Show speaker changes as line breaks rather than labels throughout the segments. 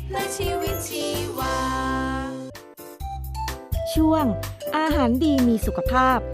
และชีวิตชีวา
ช่วงอาหารดีมีสุขภาพ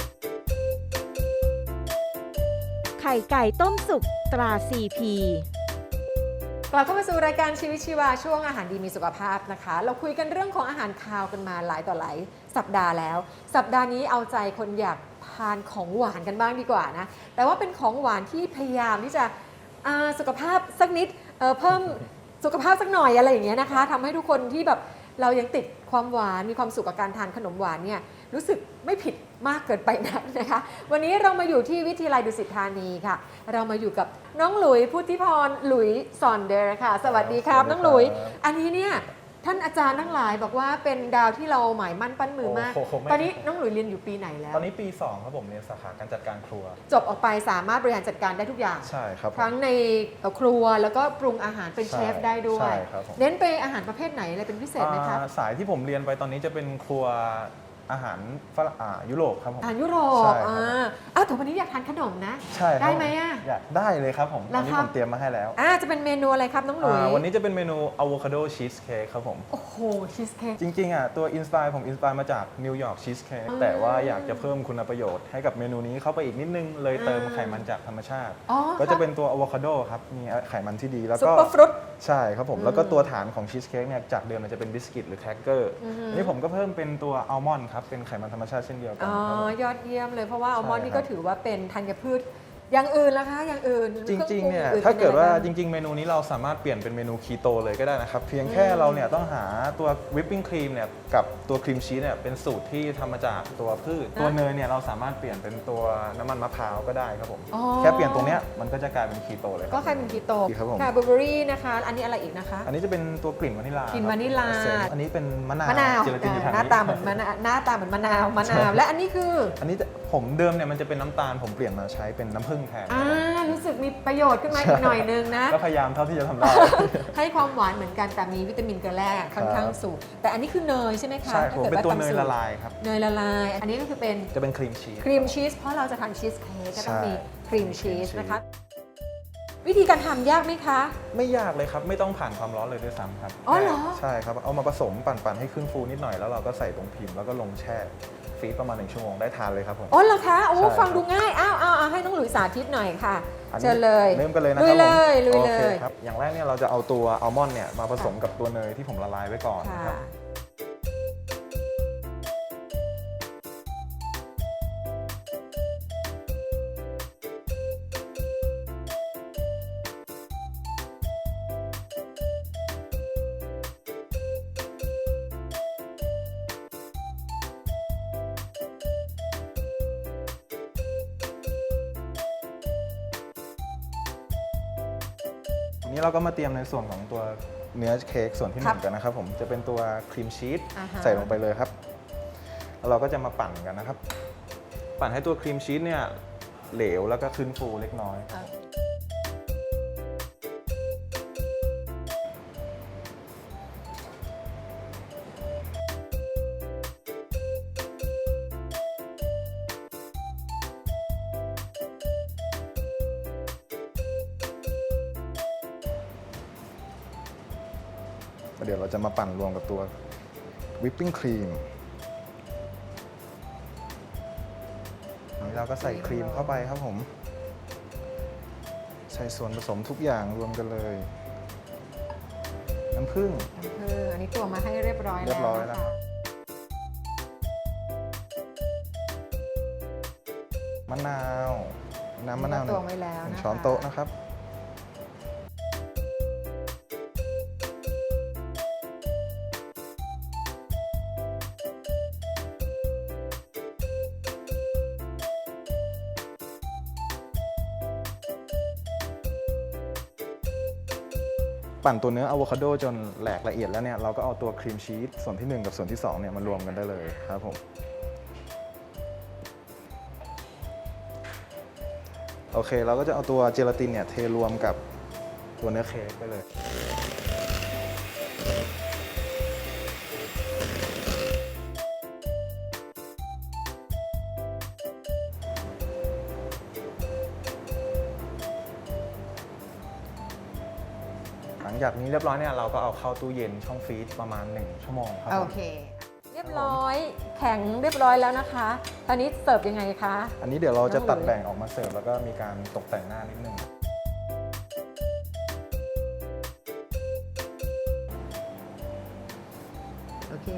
ไข่ไก่ต้มสุกตรา CP
กลับเข้ามาสู่รายการชีวิตชีวาช่วงอาหารดีมีสุขภาพนะคะ เราคุยกันเรื่องของอาหารคาวกันมาหลายต่อหลายสัปดาห์แล้ว สัปดาห์นี้เอาใจคนอยากทานของหวานกันบ้างดีกว่านะแต่ว่าเป็นของหวานที่พยายามที่จะสุขภาพสักนิดเพิ่มสุขภาพสักหน่อยอะไรอย่างเงี้ยนะคะทำให้ทุกคนที่แบบเรายังติดความหวานมีความสุขกับการทานขนมหวานเนี่ยรู้สึกไม่ผิดมากเกินไปนักนะคะวันนี้เรามาอยู่ที่วิทยาลัยดุสิตธานีค่ะเรามาอยู่กับน้องหลุยพุทธิพรหลุยซอนเดอร์ค่ะสวัสดีครับน้องหลุยอันนี้เนี่ยท่านอาจารย์ทั้งหลายบอกว่าเป็นดาวที่เราหมายมั่นปั้นมือมากตอนนี้น้องหลุยเรียนอยู่ปีไหนแล้ว
ตอนนี้ปี2ครับผมเรียนสาขาการจัดการครัว
จบออกไปสามารถบริหารจัดการได้ทุกอย่าง
ใช่ครับ
ทั้งในครัวแล้วก็ปรุงอาหารเป็นเชฟได้ด้วย
ใช่ครับ
เน้นไปอาหารประเภทไหนอะไรเป็นพิเศษไหมครับ
สายที่ผมเรียนไปตอนนี้จะเป็นครัวอาหารยุโรปครับผม
อาหารยุโรปแต่วันนี้อยากทานขนมนะ
ใช่
ได้ไหม
อยากได้เลยครับผมตอนนี้ผมเตรียมมาให้แล้ว
จะเป็นเมนูอะไรครับน้องหลุย
วันนี้จะเป็นเมนูอะโวคาโดชีสเค้กครับผม
โอ้โหชีสเค้ก
จริงๆตัวผมอินสปายมาจากนิวยอร์กชีสเค้กแต่ว่าอยากจะเพิ่มคุณประโยชน์ให้กับเมนูนี้เข้าไปอีกนิดนึงเลยเติมไขมันจากธรรมชาติก็จะเป็นตัวอะโวคาโดครับมีไขมันที่ดีแล้วก็
ซุปเปอร์ฟรุต
ใช่ครับผมแล้วก็ตัวฐานของชีสเค้กเนี่ยจากเดิมมันจะเป็นบิสกิตหรือแครกเกอร์อันนี้ผมก็เพิ่มเป็นตัวอัลมอนด์ครับเป็นไขมันธรรมชาติเช่นเดียวกัน
ยอดเยี่ยมเลยเพราะว่าอัลมอนด์นี่ก็ถือว่าเป็นธัญพืชอย่างอื่นล่ะคะอย่างอื่น
จริงๆเนี่ยถ้าเกิดว่าจริงๆเมนูนี้เราสามารถเปลี่ยนเป็นเมนูคีโตเลยก็ได้นะครับเพียงแค่เราเนี่ยต้องหาตัววิปปิ้งครีมเนี่ยกับตัวครีมชีสเนี่ยเป็นสูตรที่ทำมาจากตัวพืชตัวเนยเนี่ยเราสามารถเปลี่ยนเป็นตัวน้ำมันมะพร้าวก็ได้ครับผมแค่เปลี่ยนตรงเนี้ยมันก็จะกลายเป็นคีโตเลย
ก็กลายเป็นคีโต
ครับผม
ค่ะบลูเบอร์รี่นะคะอันนี้อะไรอีกนะคะ
อันนี้จะเป็นตัวกลิ่นวานิลลาก
ลิ่นวานิลลา
อันนี้เป็นมะนาว
หน้าตาเหมือนมะนาวและอันนี้คือ
อันนี้ผมเดิมเนี่ยมันจะเป็นน้ำตาลผมเปลี่ยนมาใช้เป็นน้ำผึ้งแทน
รู้สึกมีประโยชน์ขึ้นมาอีกหน่อยนึงนะ
ก็พยายามเท่าที่จะทำได้
ให้ความหวานเหมือนกันแต่มีวิตามินเกลือแร่ค่อนข้างสูงแต่อันนี้คือเนยใช่ไหมคะ
ใช่ผมเป็นตัวเนยละลายครับ
เนยละลายอันนี้ก็คือเป็น
จะเป็นครีมชีส
เพราะเราจะทานชีสเค้กก็ต้องมีครีมชีสนะคะวิธีการทำยากไหมคะ
ไม่ยากเลยครับไม่ต้องผ่านความร้อนเลยด้วยซ้ำครับ
อ๋อเหรอ
ใช่ครับเอามาผสมปั่นให้ขึ้นฟูนิดหน่อยแล้วเราก็ใส่ตรงพิมพ์แล้วก็ลงแช่ฟรีซประมาณ1 ชั่วโมงได้ทานเลยครับผม
อ๋อเหรอคะโอ้ฟังดูง่ายเอาให้น้องหลุยสาธิตหน่อยค่ะเชิญเลย
เริ่มกันเลยนะครับ
ลุยเลย
ครับอย่างแรกเนี่ยเราจะเอาตัวอัลมอนด์เนี่ยมาผสมกับตัวเนยที่ผมละลายไว้ก่อนครับนี้เราก็มาเตรียมในส่วนของตัวเนื้อเค้กส่วนที่1กันนะครับผมจะเป็นตัวครีมชีสใส่ลงไปเลยครับแล้วเราก็จะมาปั่นกันนะครับปั่นให้ตัวครีมชีสเนี่ยเหลวแล้วก็ขึ้นฟูเล็กน้อยเดี๋ยวเราจะมาปั่นรวมกับตัววิปปิ้งครีมนี้เราก็ใส่ครีมเข้าไปครับผมใส่ส่วนผสมทุกอย่างรวมกันเลยน้ำผึ้ง
อันนี้ตัวมาให้เรียบร้อยแล้ว
มะนาวน้ำมะนาว1 ช้อนโต๊ะนะครับปั่นตัวเนื้ออะโวคาโดจนแหลกละเอียดแล้วเนี่ยเราก็เอาตัวครีมชีสส่วนที่1กับส่วนที่2เนี่ยมารวมกันได้เลยครับผมโอเคเราก็จะเอาตัวเจลาตินเนี่ยเทรวมกับตัวเนื้อเค้กไปเลยจจากนี้เรียบร้อยเนี่ยเราก็เอาเข้าตู้เย็นช่องฟรีซประมาณ1 ชั่วโมงครับผม
โอเค เรียบร้อยแข็งเรียบร้อยแล้วนะคะตอนนี้เสิร์ฟยังไงคะ
อันนี้เดี๋ยวเราจะตัด
น้องหลุย
แบ่งออกมาเสิร์ฟแล้วก็มีการตกแต่งหน้านิดนึง
โอเค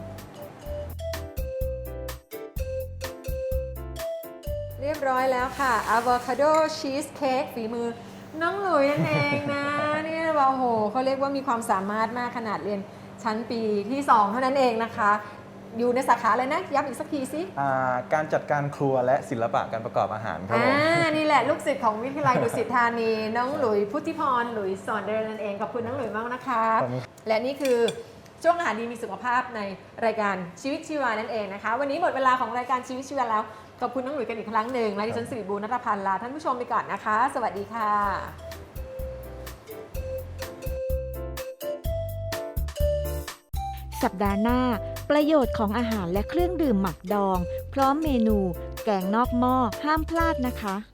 เรียบร้อยแล้วค่ะอะโวคาโดชีสเค้กฝีมือน้องหลุยนั่นเองนะ นี่ว่าโอ้โหเขาเรียกว่ามีความสามารถมากขนาดเรียนชั้นปีที่ 2 เท่านั้นเองนะคะ อยู่ในสาขาอะไรนะย้ำอีกสักทีสิ
การจัดการครัวและศิลปะการประกอบอาหารครับผม
นี่แหละลูกศิษย์ของวิทยาลัยดุสิตธานี น้องหลุยพุทธิพรหลุยสอนเดินนั่นเองขอบคุณน้องหลุยมากนะคะ
ขอบคุณ
และนี่คือช่วงอาหารดีมีสุขภาพในรายการชีวิตชีวานั่นเองนะคะ วันนี้หมดเวลาของรายการชีวิตชีวาแล้วขอบคุณน้องหลุยกันอีกครั้งหนึ่งและดิฉันสิริบูรณ์ณัฐพันธ์ลาท่านผู้ชมไปก่อนนะคะ สวัสดีค่ะ
สัปดาห์หน้า ประโยชน์ของอาหารและเครื่องดื่มหมักดอง พร้อมเมนู แกงนอกหม้อห้ามพลาดนะคะ